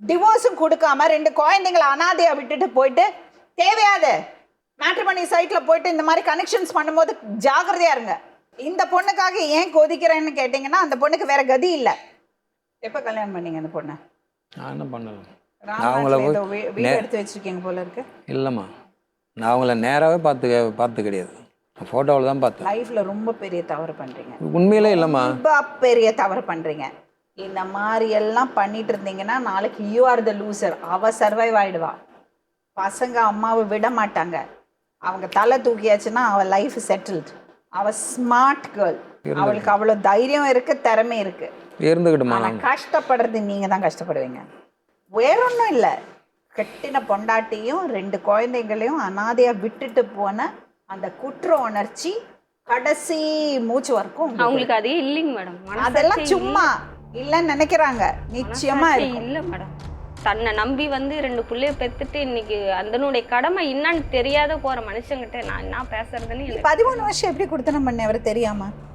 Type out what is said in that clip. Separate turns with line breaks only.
டிவோர்ஸும் கொடுக்காம 2 குழந்தைங்களை அனாதையா விட்டுட்டு போயிட்டு தேவையாத மேட்ரிமோனி சைட்ல போயிட்டு இந்த மாதிரி கனெக்ஷன்ஸ் பண்ணும்போது ஜாகிரதையா இருங்க. இந்த பொண்ணுக்காக ஏன் கொதிக்கிறேன்னு கேட்டீங்கன்னா அந்த பொண்ணுக்கு வேற கதி இல்லை. எப்ப கல்யாணம் பண்ணீங்க அந்த பொண்ணை?
நான் என்ன பண்ணலாம்,
வீடு எடுத்து வச்சிருக்கீங்க போல இருக்கு.
இல்லைம்மா, நான் அவங்கள நேராகவே பார்த்து கிடையாது, ஃபோட்டோவில் தான் பார்த்தேன்.
லைஃப்ல ரொம்ப பெரிய தவறு பண்றீங்க.
உண்மையிலே இல்லைம்மா,
ரொம்ப பெரிய தவறு பண்றீங்க. இந்த மாதிரி எல்லாம் பண்ணிட்டு இருந்தீங்கன்னா நாளைக்கு யூ ஆர் த லூசர். அவ சர்வைவ் ஆயிடுவா. பசங்க அம்மாவை விட மாட்டாங்க. அவங்க தலை தூக்கியாச்சுன்னா அவ லைஃப் செட்டில்டு. அவ ஸ்மார்ட் கேர்ள். அவளுக்கு அவ்வளோ தைரியம் இருக்கு, திறமை இருக்கு.
இருந்துக்கிட்டுமா.
கஷ்டப்படுறது நீங்க தான் கஷ்டப்படுவீங்க, வேற ஒன்றும் இல்லை. கட்டின பொண்டாட்டியும் 2 குழந்தைங்களையும் அனாதையா விட்டுட்டு போன அந்த குற்ற உணர்ச்சி கடைசி மூச்சு வரைக்கும்
அவங்களுக்கு அதே இல்லைங்க மேடம்.
அதெல்லாம் சும்மா இல்லைன்னு நினைக்கிறாங்க. நிச்சயமா
இல்லை மேடம். தன்னை நம்பி வந்து 2 பிள்ளைய பெற்றுட்டு இன்னைக்கு அதனுடைய கடமை என்னன்னு தெரியாத போற மனுஷங்கிட்ட நான் என்ன பேசுறதுன்னு.
13 வருஷம் எப்படி கொடுத்தனம் பண்ண அவர் தெரியாம?